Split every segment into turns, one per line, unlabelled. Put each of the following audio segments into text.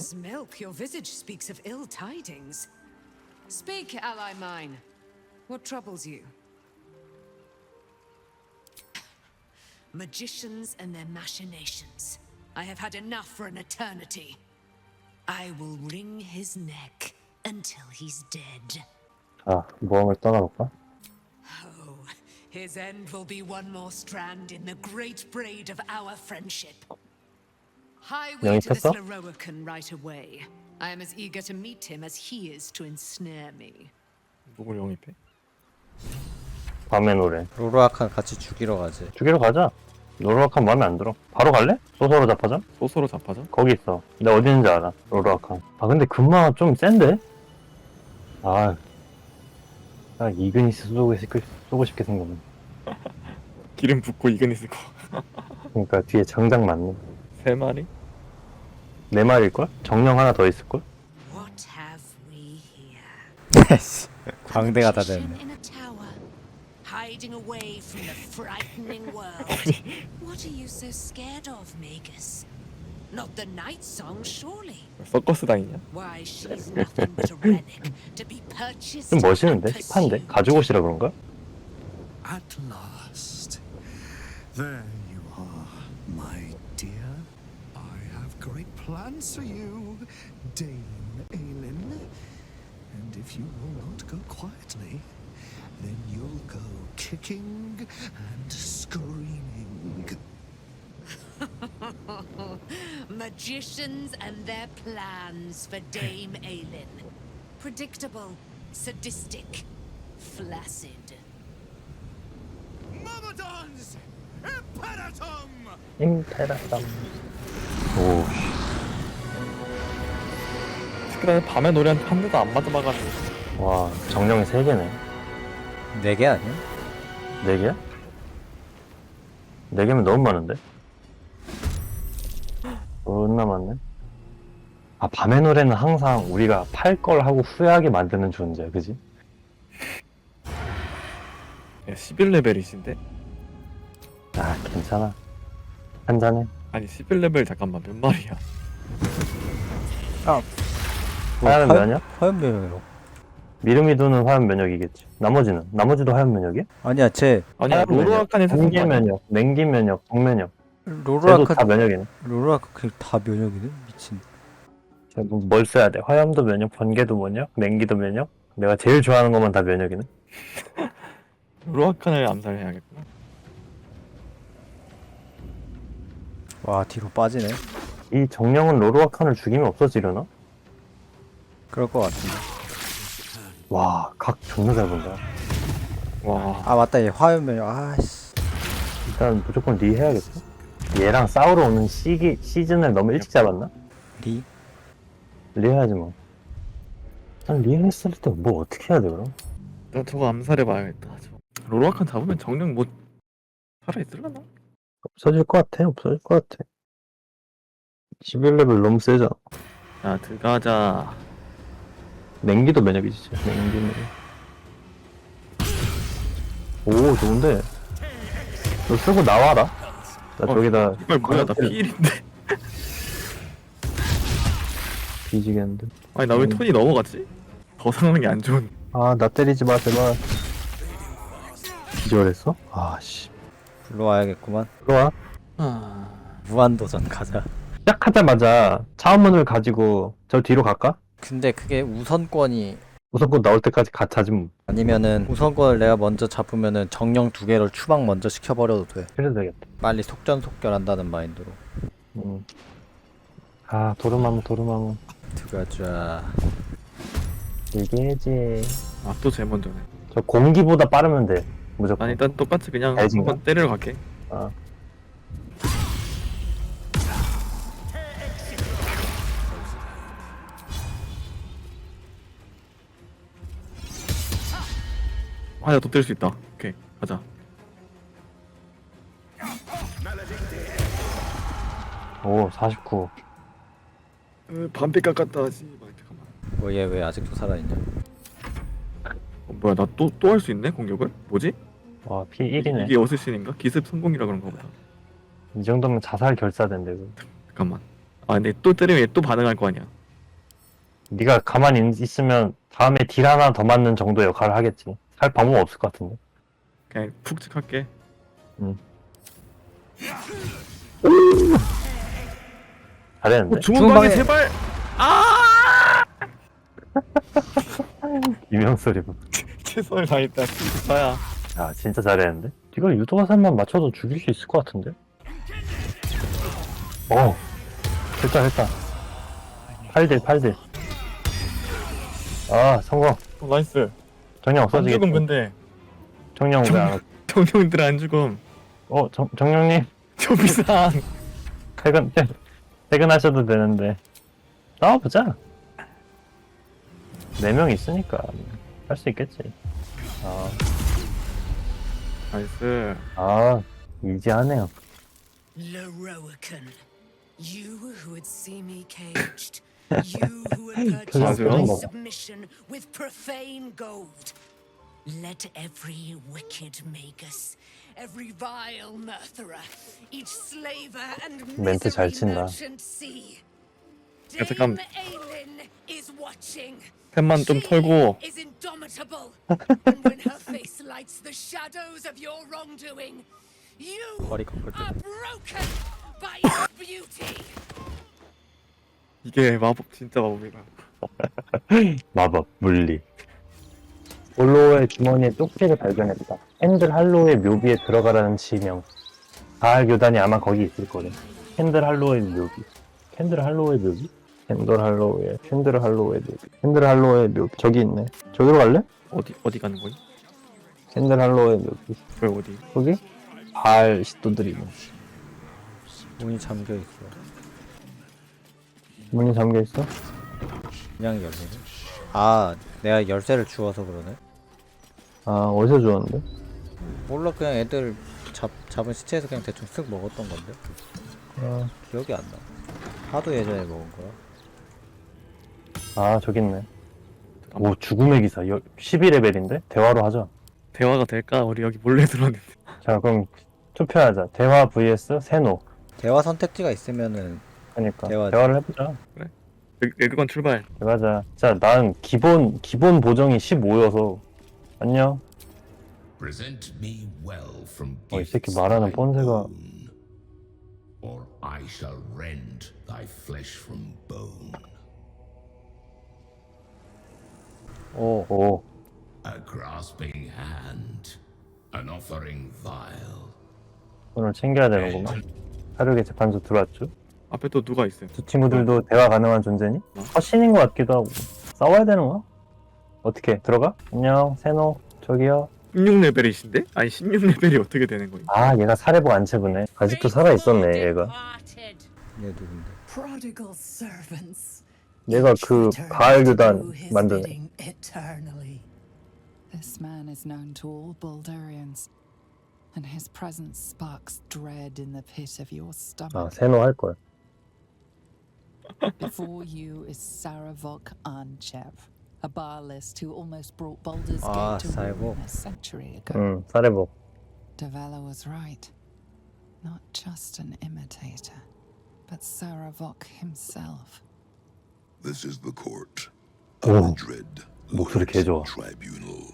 Mother's milk, your visage speaks of ill tidings. Speak, ally mine. What troubles you? Magicians and their machinations. I have had enough for an eternity. I will wring his neck until he's dead.
자, 모험을 떠나볼까?
Oh, his end will be one more strand in the great braid of our friendship. Highway to this
있었어?
Leroican right away. I am as eager to meet him as he is to ensnare me.
누굴 영입해?
밤의 노래.
로로아칸 같이 죽이러 가지.
죽이러 가자. 로로아칸 마음에 안 들어. 바로 갈래? 소서로 잡하자?
소서로 잡하자?
거기 있어. 내가 어디 있는지 알아. 로로아칸. 아 근데 금마가 좀 센데? 아, 나 이그니스 쏘고 싶게 생겼네.
기름 붓고 이그니스 거.
그러니까 뒤에 정작 맞네.
3마리?
네 마리일걸? 정령 하나 더 있을걸?
What have we here?
광대가 다
Magician
됐네.
in a tower, hiding away from the frightening world. What are you so scared of, Magus? Not the night song, surely.
서커스 다니냐?
Why, she's nothing but a relic to be purchased.
좀 멋있는데?
and
힙한데?
pursued.
가지고 오시라 그런가?
At last. There you are, my dear. I have great plans for you, Dame Aelin. And if you will not go quietly, then you'll go kicking and screaming.
Magicians and their plans for Dame Aelin. Predictable, sadistic, flaccid.
Myrmidons! Imperatum!
임페라담. 오,
특히나 밤에 노래한 한 대도 안 맞아봐가지고.
와, 정령이 3개네.
4개 아니야?
4개야? 4개면 너무 많은데? 존나 많네. 아, 밤의 노래는 항상 우리가 팔 걸 하고 후회하게 만드는 존재야, 그지?
야, 11레벨이신데?
아, 괜찮아. 한잔해.
아니 11레벨 잠깐만 몇 마리야?
아,
화염 면역?
화염 면역.
미르미도는 화염 면역이겠지. 나머지도 화염 면역이야?
아니야, 쟤
아니야
화염 면역,
로로아칸에서
공기 면역, 냉기 면역, 동면역. 쟤도 다
로로아칸
면역이네.
로로아칸 다 면역이네. 미친.
뭘 써야 돼? 화염도 면역, 번개도 면역, 냉기도 면역. 내가 제일 좋아하는 것만 다 면역이네.
로로아칸을 암살해야겠구나.
와, 뒤로 빠지네.
이 정령은 로로아칸을 죽이면 없어지려나?
그럴 것 같은데.
와, 각 존나 잘 본다.
와
아, 맞다. 얘 화염 면역. 아씨.
일단 무조건 리 해야겠어. 얘랑 싸우러 오는 시즌을 너무 일찍 잡았나?
리?
리 해야지 뭐. 난 리 했을 때 뭐 어떻게 해야 돼 그럼?
나 저거 암살해봐야겠다. 로로아칸 잡으면 정령 뭐 살아있을라나?
없어질 것 같아. 없어질 것 같아. 11레벨 너무 세잖아.
야 들어가자.
냉기도 면역이지. 진짜. 냉기 면역. 오, 좋은데. 너 쓰고 나와라. 나 저기다
이걸 뭐야 나 피일인데.
뒤지겠는데.
아니 나 왜 톤이 넘어갔지? 더 상하는 게 안 좋은.
아, 나 때리지 마 제발. 기절했어? 아씨.
불러와야겠구만.
들어와.
아...
무한도전 가자.
시작하자마자 차원문을 가지고 저 뒤로 갈까?
근데 그게 우선권이
우선권 나올 때까지 가차지 뭐.
아니면은 우선권을 내가 먼저 잡으면은 정령 2개를 추방 먼저 시켜버려도 돼.
그래도 되겠다.
빨리 속전속결한다는 마인드로.
아, 도르마무.
들어가자.
이게지.
아또 제일 먼저네.
저 공기보다 빠르면 돼. 무조건.
난 일단 똑같이 그냥
알진가?
한번 때리러 갈게.
아.
아야 또 때릴 수 있다. 오케이 가자.
오, 49.
반피 깎았다 하지. 잠깐만.
뭐 얘 왜 아직도 살아있냐?
뭐야 나 또 할 수 있네 공격을? 뭐지?
와, 피 1이네.
이게 어쌔신인가? 기습 성공이라 그런가 보다.
이 정도면 자살 결사된대. 그.
잠깐만. 아 근데 또 때리면 얘 또 반응할 거 아니야.
네가 가만히 있으면 다음에 딜 하나 더 맞는 정도 역할을 하겠지. 할 방법 없을 것 같은데.
그냥 푹 찍할게.
잘했는데.
주문 방에
주문방에-
제발.
유명 소리.
최선을 다했다. 진짜야.
야 진짜 잘했는데. 이걸 유도화살만 맞춰도 죽일 수 있을 것 같은데. 됐다. 8딜. 아 성공.
나이스.
정령
안
없어지겠지.
죽음 근데.
정령 왜안
정령들 안 죽음.
정령님
저 비상.
퇴근하셔도 되는데 싸워보자. 4명 있으니까 할 수 있겠지.
나이스.
이지하네요.
Lorroakan, you who would see me caged, you who would purchase
맞아요.
my submission with profane gold. Let every wicked magus, every vile murtherer, each slaver and
멘트 잘
misery
친다.
merchant see.
야, 잠깐.
Dame Aelin is watching.
템만 좀
She
털고.
is indomitable, and when her face lights the shadows of your wrongdoing, you
머리 꺾을
are
때.
broken by its beauty.
이게 마법 진짜 마법이다.
마법 물리. 볼로의 주머니에 쪽지를 발견했다. 핸들 할로의 묘비에 들어가라는 지명. 가을 교단이 아마 거기 있을 거래. 핸들 할로의 묘비. 핸들 할로의 묘비? 핸들 할로의 묘비. 저기 있네. 저기로 갈래?
어디 가는 거니?
핸들 할로의 묘비.
왜 어디?
거기? 발 시도들이 있네.
문이 잠겨 있어.
문이 잠겨 있어?
그냥 열리네. 아, 내가 열쇠를 주워서 그러네.
어디서 주웠는데?
몰라, 그냥 애들 잡은 시체에서 그냥 대충 쓱 먹었던 건데. 기억이 안 나. 하도 예전에 먹은 거야.
저기 있네. 오, 죽음의 기사. 12레벨인데? 대화로 하자.
대화가 될까? 우리 여기 몰래 들어왔는데.
자, 그럼 투표하자. 대화 vs 세노.
대화 선택지가 있으면은
그러니까
대화지.
대화를 해보자.
레드건 출발.
대화자. 자, 난 기본 보정이 15여서 안녕.
Present me well from
이 새끼
gifts
말하는
I
폰세가
own, or I shall rend thy flesh from bone.
오.
A grasping hand, an offering vile.
오늘 챙겨야 되는구만. 사륙의 재판소 들어왔죠?
앞에 또 누가 있어요?
두 친구들도 대화 가능한 존재니? 허신인 것 같기도 하고. 싸워야 되는 거야? 어떻게 들어가? 안녕 세노 저기요.
16레벨이신데? 아니 16레벨이 어떻게 되는 거니?
얘가 사례복 안 채부네. 아직도 살아 있었네 얘가.
얘 누군데?
Prodigal servants.
얘가 그
Each
가을
return to
교단
do his
만드네.
bidding eternally. This man is known to all Baldurians, and his presence sparks dread in the pit of your stomach.
세노 할 거야.
Before you is Saravok Anchev, a Baalist who almost brought Baldur's
Ah,
Gate to ruin
Saravok.
a century ago.
응, 사례복.
Davella was right. Not just an imitator, but Saravok himself.
This is the court
Oh.
of the dread
목소리 개 좋아.
tribunal.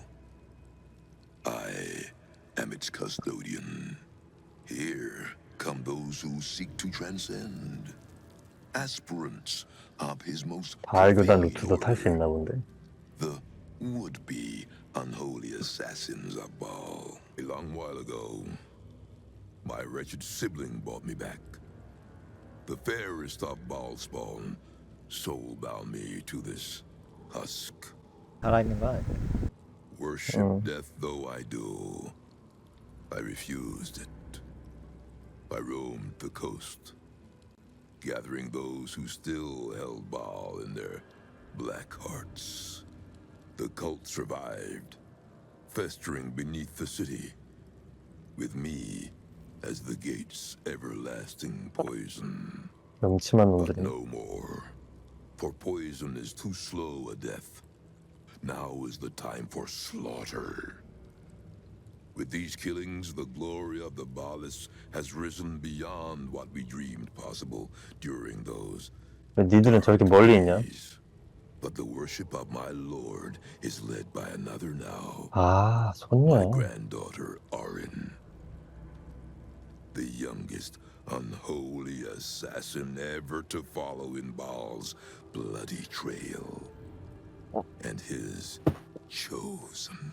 I am its custodian. Here come those who seek to transcend. Aspirants of his most
가을 교단
profane
루트도 탈 수
order.
있나 본데.
The would-be unholy assassins of Baal. A long while ago, my wretched sibling brought me back. The fairest of Baal spawn soul-bound me to this husk.
살아있는 거 아니야?
Worship death though I do, I refused it. I roamed the coast, gathering those who still held Baal in their black hearts. The cult survived, festering beneath the city, with me as the gate's everlasting poison.
명치만
But
놈들이.
no more, for poison is too slow a death. Now is the time for slaughter. With these killings, the glory of the Balis has risen beyond what we dreamed possible during those
왜 니들은 저렇게 멀리 있냐?
days. But the worship of my lord is led by another now.
아,
My
손녀.
granddaughter, Arin. The youngest unholy assassin ever to follow in Baal's bloody trail. And his chosen.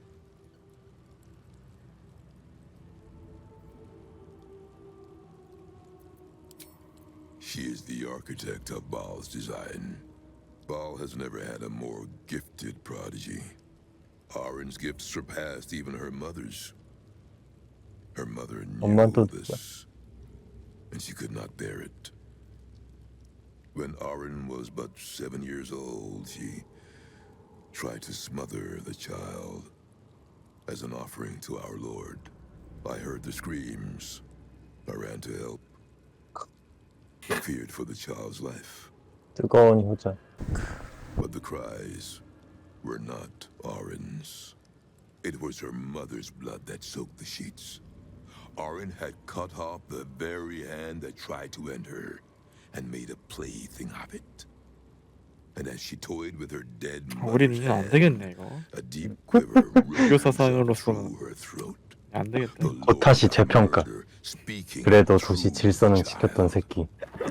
She is the architect of Baal's design. Baal has never had a more gifted prodigy. Arin's gifts surpassed even her mother's. Her mother knew
엄마도
this, and she could not bear it. When Arin was but 7 years old, she tried to smother the child as an offering to our Lord. I heard the screams. I ran to help. I feared for the child's life.
뜨거운 효자.
But the cries were not Arin's. It was her mother's blood that soaked the sheets. Arin had cut off the very hand that tried to end her and made a plaything of it. And as she toyed with her dead
우린
mother's
이제 안
hand,
되겠네 이거.
a deep quiver rose up
사상으로서
through her throat.
안 되겠다.
The
고타시
Lord of
재평가.
Murder speaking
그래도
through
도시 질서는
the
지켰던
child.
새끼.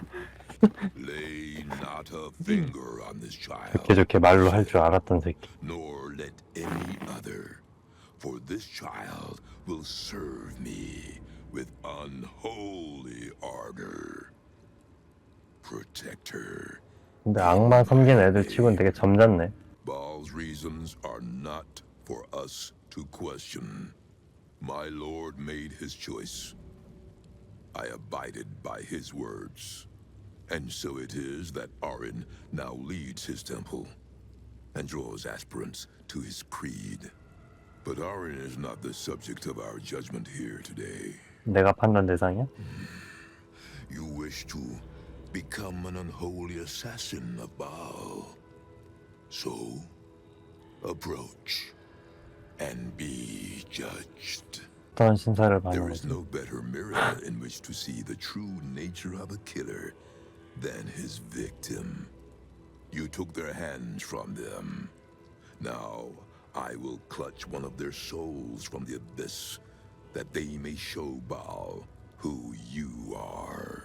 Lay not a finger on this child.
좋게 좋게 말로 할 줄 알았던 새끼.
Nor let any other, for this child will serve me with unholy ardor. Protect her.
근데 악마 섬긴 애들 치고는 되게 점잖네.
Baal's reasons are not for us to question. My lord made his choice. I abided by his words. And so it is that Arin now leads his temple and draws aspirants to his creed. But Arin is not the subject of our judgment here today.
내가 판단 대상이야?
You wish to become an unholy assassin of Baal. So, approach and be judged.
어떤 신사를
There
받는
is
거지?
no better mirror in which to see the true nature of a killer than his victim. You took their hands from them. Now, I will clutch one of their souls from the abyss, that they may show Baal who you are.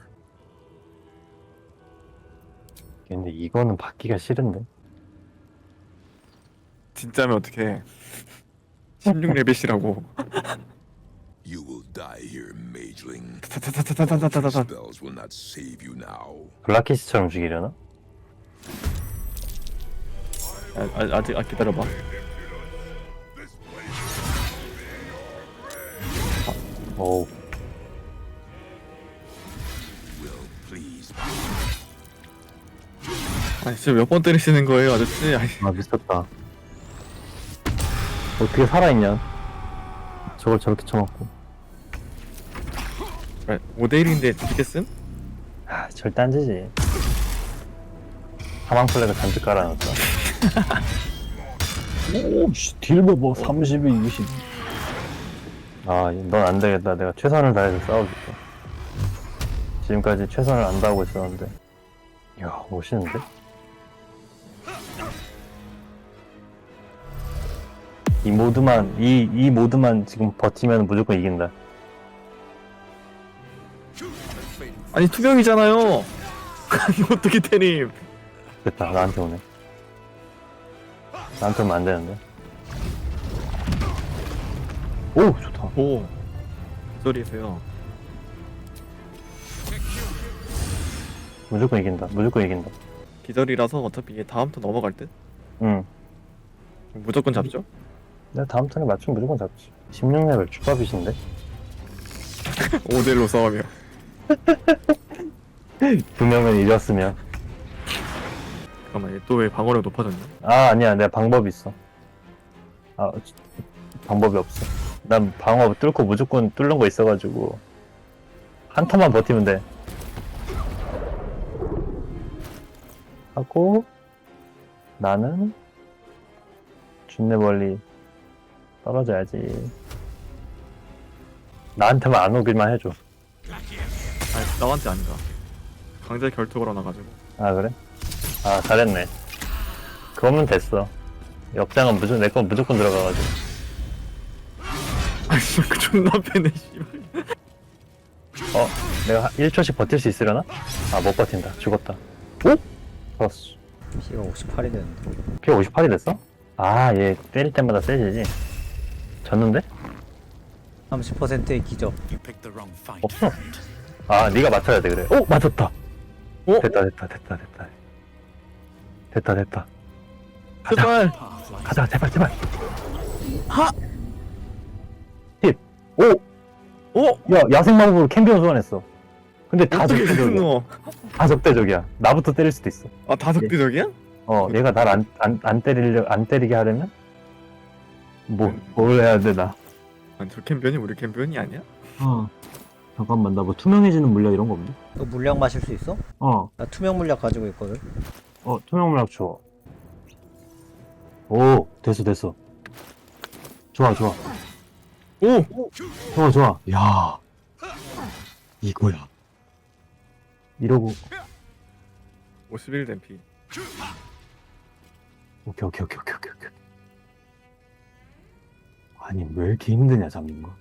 근데 이거는 받기가 싫은데?
진짜면 어떡해. 16레벨이라고.
You will die here, mageling.
타타타타타타타타타.
Spells will not save you now.
블라키스처럼 죽이려나?
아직 기다려봐.
어우,
Will please.
아니 진짜 몇 번 때리시는 거예요 아저씨? 아니,
아 미쳤다. 어떻게 살아있냐? 저걸 저렇게 쳐먹고.
5대1인데 뒤지겠음?
아, 절대 안 지지. 사망 플래그 잔뜩 깔아놨다. 오, 씨, 딜 봐봐. 32, 20. 아, 넌 안 되겠다. 내가 최선을 다해서 싸워줄게. 지금까지 최선을 안 다하고 있었는데. 이야, 멋있는데? 이 모드만 지금 버티면 무조건 이긴다.
아니 투명이잖아요. 아니 어떻게 때림?
됐다, 나한테 오네. 나한테 오면 안 되는데. 오, 좋다.
오. 소리세요.
무조건 이긴다. 무조건 이긴다.
기절이라서 어차피 얘 다음 턴 넘어갈 듯.
응.
무조건 잡죠?
내가 다음 턴에 맞추면 무조건 잡지. 16레벨 축밥이신데?
5대1로 싸우면.
두 명은 이겼으면.
잠깐만 얘 또 왜 방어력 높아졌냐?
아, 아니야. 내가 방법이 있어. 아, 방법이 없어. 난 방어 뚫고 무조건 뚫는 거 있어가지고. 한 턴만 버티면 돼. 하고, 나는 준내 멀리 떨어져야지. 나한테만 안 오길만 해줘.
아니 나한테 아니다. 강제 결투 걸어놔가지고.
아 그래? 아 잘했네. 그거면 됐어. 역장은 무조건 내 건 무조건 들어가가지고.
아니 그 존나 패네 씨발.
내가 1초씩 버틸 수 있으려나? 아 못 버틴다. 죽었다. 오? 좋았어.
피가 58이 되는데.
피 58이 됐어? 아 얘 때릴 때마다 세지지. 졌는데?
30%의 기적.
없어. 아 네가 맞춰야 돼 그래. 오 맞췄다.
오?
됐다. 가자.
제발.
가자 제발. 하. 10. 오.
오.
야 야생 마법으로 캠비언 소환했어. 근데 다
어떻게
적대적이야.
그거?
다 적대적이야. 나부터 때릴 수도 있어.
아 다석대적이야?
얘가 날 안 때리게 하려면 뭘 해야 되나?
아니 저 캠피언이 우리 캠피언이 아니야?
잠깐만 나 뭐 투명해지는 물약 이런 거 없니?
너 물약 마실 수 있어? 나 투명 물약 가지고 있거든.
투명 물약 줘. 오 됐어. 좋아.
오.
좋아. 야 이거야. 이러고
51된 피.
오케이. 아니 왜 이렇게 힘드냐 잡는 거?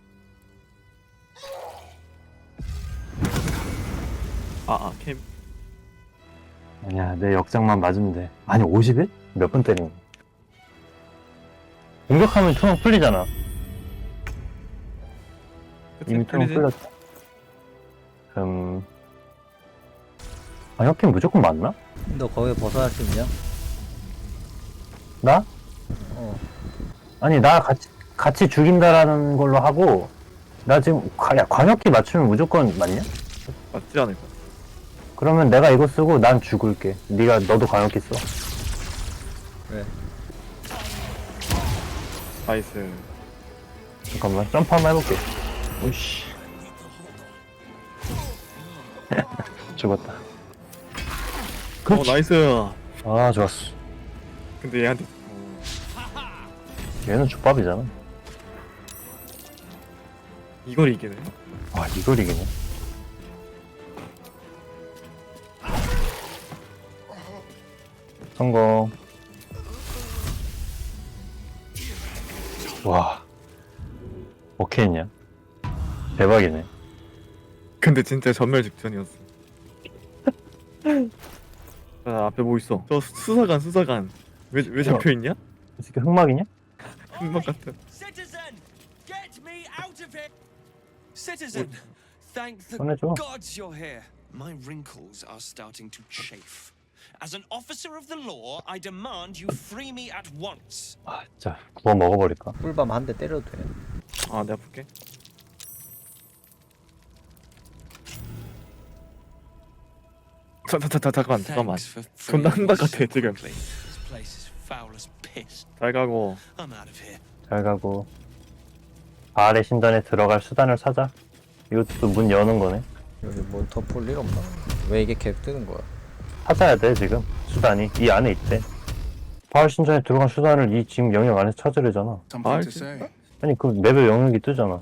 캠.
아니야 내 역장만 맞으면 돼. 아니 50일? 몇 번 때린 거야? 공격하면 투명 풀리잖아. 이미 투명
풀리지?
풀렸다. 광역팀 무조건 맞나?
너 거기 벗어날 수 있냐?
나? 아니 나 같이 죽인다라는 걸로 하고 나 지금 광역기 맞추면 무조건 맞냐?
맞지 않을까?
그러면 내가 이거 쓰고 난 죽을게. 너도 광역기 써.
그래.
나이스.
잠깐만 점프 한번 해볼게. 오씨. 죽었다. 그렇지.
나이스.
아 좋았어.
근데 얘한테
얘는 족밥이잖아.
이걸 이기네.
아 이걸 이기네. 성공. 와. 어떻게 했냐? 대박이네.
근데 진짜 전멸 직전이었어. 아, 앞에 뭐 있어? 저 수사관. 왜 잡혀있냐?
이 새끼 흑막이냐?
흑막 같은.
Citizen, get me out of here. Citizen, thank the
꺼내줘.
gods you're here. My wrinkles are starting to chafe. As an officer of the law, I demand you free me at once.
아 진짜 구워 먹어버릴까?
꿀밤 한 대 때려도 돼.
아 내가 볼게. 잠깐만.
Thanks for
존나
freeing
흑막
me
같아
so
지금.
quickly. This place is foul as piss.
잘 가고.
I'm out of here.
잘 가고. 바알의 신전에 들어갈 수단을 찾아. 이것도 문 여는 거네.
여기 뭐 더 볼 일 없나? 왜 이게 계속 뜨는 거야?
찾아야 돼 지금 수단이 이 안에 있대. 바알 신전에 들어간 수단을 이 지금 영역 안에서 찾으려잖아.
아 진짜?
아니 그 맵에 영역이 뜨잖아.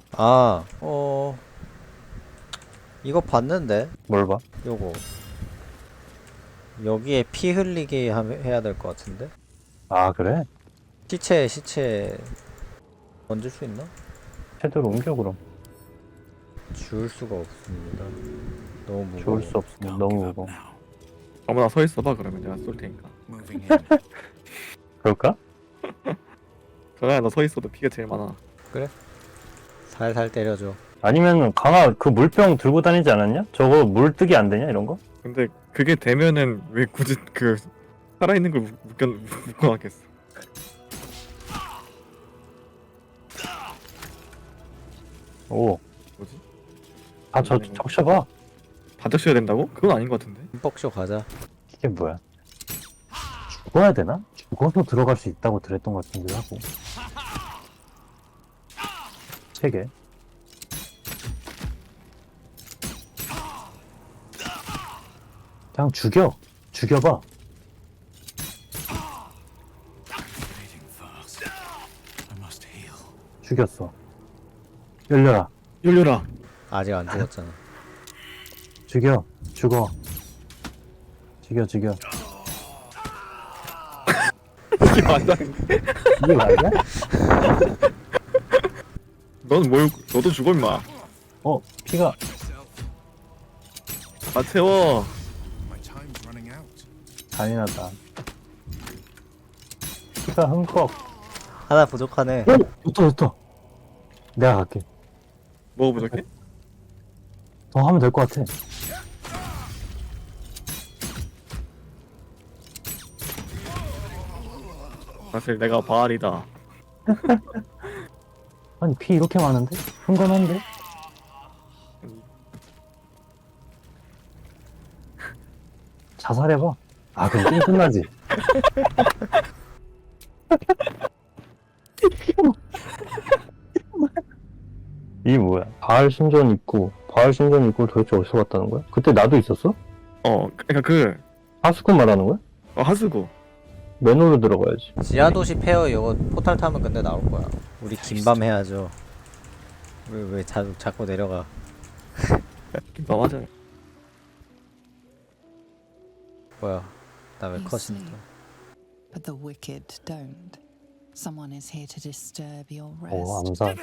이거 봤는데?
뭘 봐?
요거. 여기에 피 흘리게 해야 될 것 같은데?
아 그래?
시체 얹을 수 있나?
섀도로 옮겨 그럼.
줄 수가 없습니다. 너무 무거워.
좋을 수 없으면 너무 무거워.
아무나 서 있어봐 그러면 내가 쏠 테니까.
그럴까?
전화야 너 서 있어도 피가 제일 많아.
살살 때려줘.
아니면 강아 그 물병 들고 다니지 않았냐? 저거 물 뜨기 안 되냐 이런 거?
근데 그게 되면은 왜 굳이 그 살아있는 걸 묶어놨겠어.
오.
뭐지?
아 저 적셔봐.
다 적셔야 된다고? 그건 아닌 것 같은데.
흠뻑쇼 가자.
이게 뭐야? 죽어야 되나? 죽어서 들어갈 수 있다고 들었던 것 같은데 하고. 3개. 그냥 죽여봐. 죽였어. 열려라.
열려라.
아직 안 죽었잖아.
죽여. 죽어. 죽여.
이게 맞아.
이게 맞아?
너도 죽어 임마.
피가.
다 채워.
잔인하다. 피가 흠뻑.
하나 부족하네.
좋다. 내가 갈게.
뭐 부족해?
더 하면 될 것 같아.
사실 내가 바알이다.
아니, 피 이렇게 많은데? 흥건한데? 자살해봐. 그럼 게임 끝나지. 이게 뭐야? 바알 신전 있고 도대체 어디서 왔다는 거야? 그때 나도 있었어?
그러니까
하수구 말하는 거야?
하수구.
맨홀로 들어가야지.
지하도시 페어 이거 포탈 타면 근데 나올 거야. 우리 긴밤 해야죠. 왜 자꾸 내려가.
맞아.
뭐야? 나 왜
You
컷인데?
sleep, but the wicked don't. Someone is here to disturb your
오,
rest.
암살.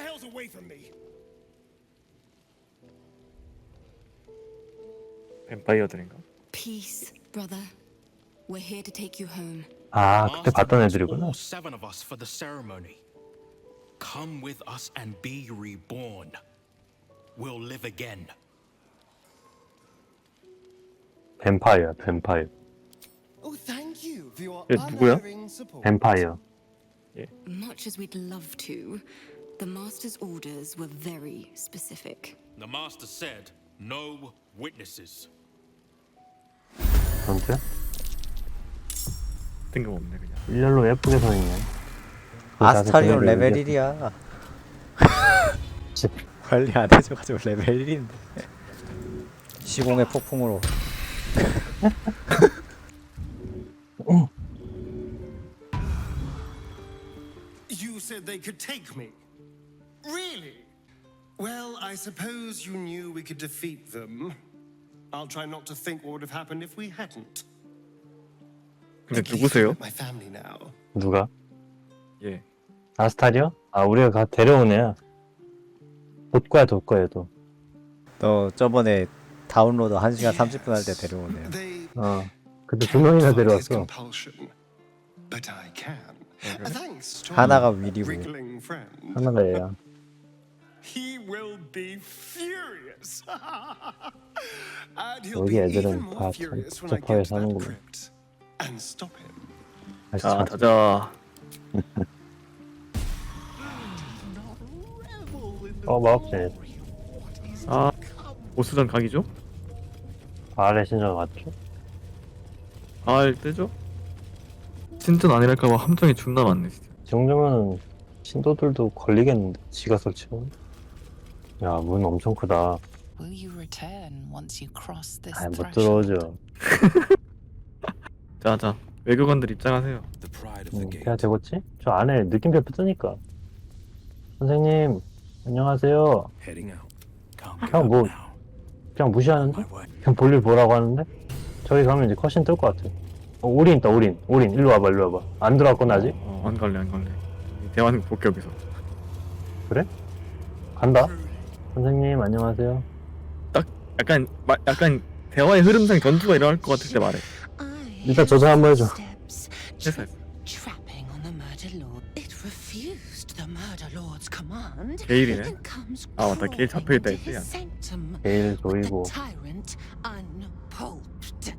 뱀파이어들인가?
Peace, brother. We're here to take you home.
그때 봤던 애들이구나.
All 7 of us for the ceremony. Come with us and be reborn. We'll live again.
뱀파이어.
Oh, thank you for your
얘 누구야?
unwavering support.
뱀파이어.
Much as we'd love to, the Master's orders were very specific.
The master said, no witnesses.
전투야?
뜬금없네 그냥.
일렬로 예쁘게 서 있네.
아스타리온 레벨 1이야. 관리 안 해줘가지고 레벨 1인데. 시공의 폭풍으로.
You said they could take me. Really? Well, I suppose you knew we could defeat them. I'll try not to think what would have happened if we hadn't.
근데
At least
누구세요?
I'm with my family now.
누가?
예.
아스타리어? 우리가 데려온 애야. 돋거야 얘도.
너 저번에 다운로드 1시간 30분 할 때 데려오네요.
They
그때 2명이나
can't his
데려왔어.
compulsion, but I can. Thanks to
하나가
our
위리고.
wriggling friend.
하나가 얘야.
He will be furious. And he'll
여기
be
애들은
even more
다
furious when I
적합하게
get to that
사는구만.
crypt and stop him.
자 자자.
마법진.
보스전 각이죠?
바알의 신전 맞죠?
바알 뜨죠? 신전 아니랄까봐 함정이 존나 많네 진짜.
이 정도면 신도들도 걸리겠는데 지가 설치면. 야, 문 엄청 크다.
Will you return once you cross this
못
threshold?
들어오죠.
자자 외교관들 입장하세요.
The pride of the
돼야
gate.
되겠지? 저 안에 느낌표 뜨니까. 선생님, 안녕하세요.
Heading out. Can't
그냥
give up
뭐
now.
그냥 무시하는데?
My way.
그냥 볼일 보라고 하는데? 저기 가면 이제 컷신 뜰 것 같아. 올인 있다, 올인. 일로 와봐. 안 들어왔거나 아직?
안 갈래. 대화는 볼게 여기서.
그래? 간다. 선생님, 안녕하세요.
약간 대화의 흐름상 전투가 일어날 것 같을 때 말해.
일단 저장 한번 해줘.
됐어.
Trapping on the murder lord. It refused the murder lord's command.
게일이네.
And comes
맞다. 게일 잡혀있다
crawling into
했지.
his sanctum.
게일
The
조이고.
tyrant unpulped.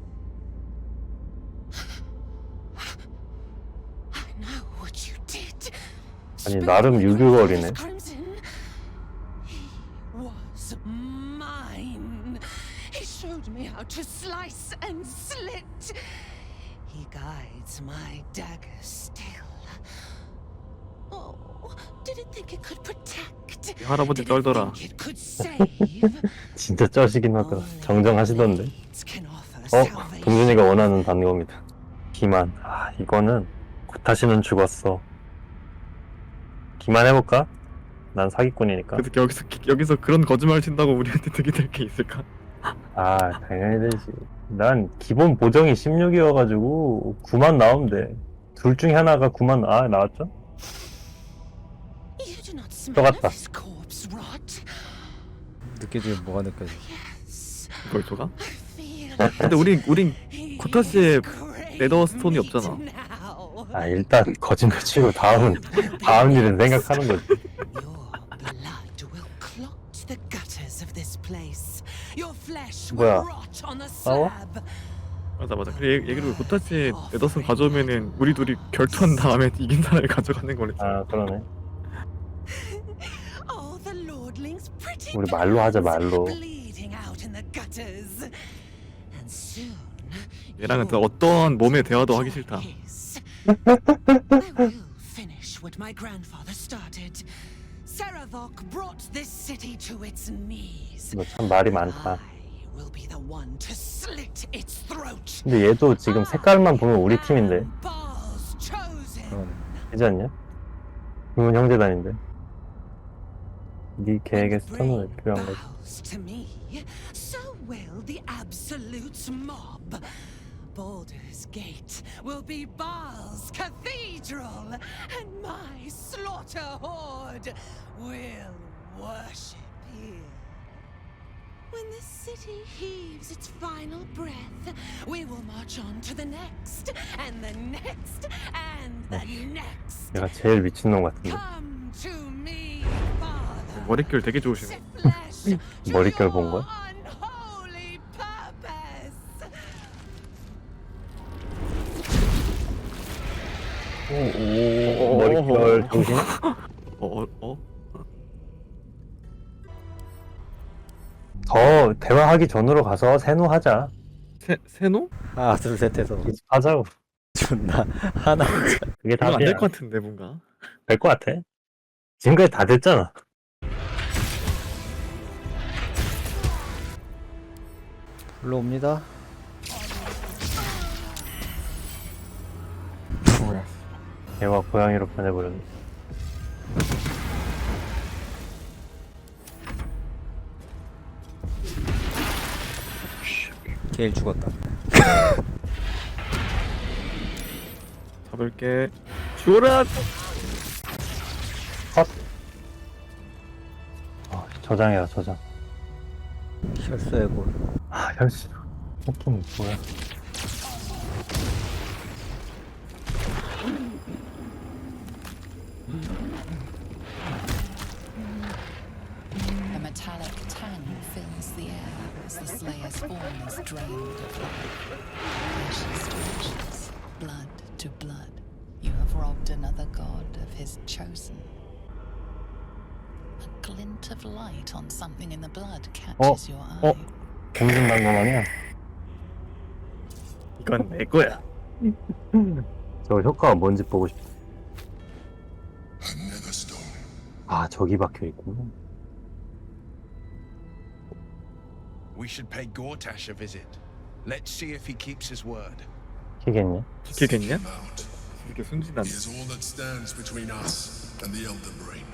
I know what you did.
아니, 나름 유교거리네.
Crimson. He was mine. He showed me how to slice and slit. He guides my dagger still. Oh, did it think it could protect?
이 할아버지
Did it
쩔더라.
think it could save?
진짜 쩌시긴 하더라. 정정하시던데.
Can offer salvation.
동준이가 원하는 단어입니다. 기만. 이거는 다시는 죽었어. 기만 해볼까? 난 사기꾼이니까.
그래서 여기서 그런 거짓말 친다고 우리한테 득이 될 게 있을까?
아, 당연히 되지. 난 기본 보정이 16이어가지고 9만 나오면 돼. 둘 중에 하나가 9만 나왔죠?
You do not
또
smell
갔다.
of his corpse rot.
느껴지면 뭐가 느껴져?
Yes,
이걸 줘가?
I feel
근데 우린
he
코타스에
craves
네더스톤이
meat
없잖아.
now.
아, 일단 거짓말 치고 다음 일은 생각하는 거지.
Your blood will clot the gutters of this place. Your flesh
뭐야?
will rot on the
싸워?
slab.
맞아. 그래 얘기로 코타스에 네더스톤 가져오면은 우리 둘이 결투한 다음에 이긴 사람이 가져가는 거랬지.
아, 그러네.
Oh, the lordling's pretty
우리 말로 하자,
guns
말로.
bleeding out in the gutters. And soon
얘랑은 또
you'll
어떠한 몸의
get
대화도 하기
your
싫다.
his. I will finish what my grandfather started. Saravok brought this city to its knees.
너 참 말이 많다.
I will be the one to slit its throat.
근데 얘도 지금 색깔만 보면 우리 팀인데.
Balls chosen.
되지 않냐? 그건 형제단인데. 네 계획에 스턴은 왜 필요한 거지?
Bows to me, so will the absolute mob. Baldur's Gate will be Baal's cathedral, and my slaughter horde will worship here. When the city heaves its final breath, we will march on to the next, and the next, and the next.
내가 제일 미친놈 같은데.
Come to me, Father.
머릿결 되게 좋으시네.
Flesh to
머릿결 본 거야?
your unholy purpose.
오, 머릿결 정신?
어?
더 대화하기 전으로 가서 세노하자.
세노?
하나 둘 셋 해서
하자고.
존나 하나
그게
이건
답이야.
안될 것 같은데 뭔가.
될 것 같아. 지금까지 다 됐잖아.
불러옵니다.
얘가 고양이로 변해버렸네.
게일 죽었다.
잡을게. 죽어라.
저장해라, 저장.
혈서의 골.
아, 혈수. 느낌 뭐야?
A metallic tang fills the air as the Slayer's form is drained of life. Ashes to ashes, blood to blood, you have robbed another god of his chosen. A glint of light on something in the blood catches your eye.
공중 방금
이건 내 거야.
저 효과가 뭔지 보고 싶다.
Another stone.
아, 저기 박혀 있구나.
We should pay Gortash a visit. Let's see if he keeps his word.
키겠냐?
지키겠냐?
Out.
이렇게 순진한.
He is all that stands between us and the Elden Brain.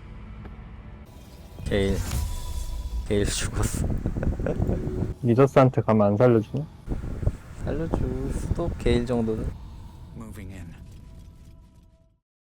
게일 죽었어.
미더스한테 가면 안 살려주나?
살려줄 수도 게일 정도는.
Moving in.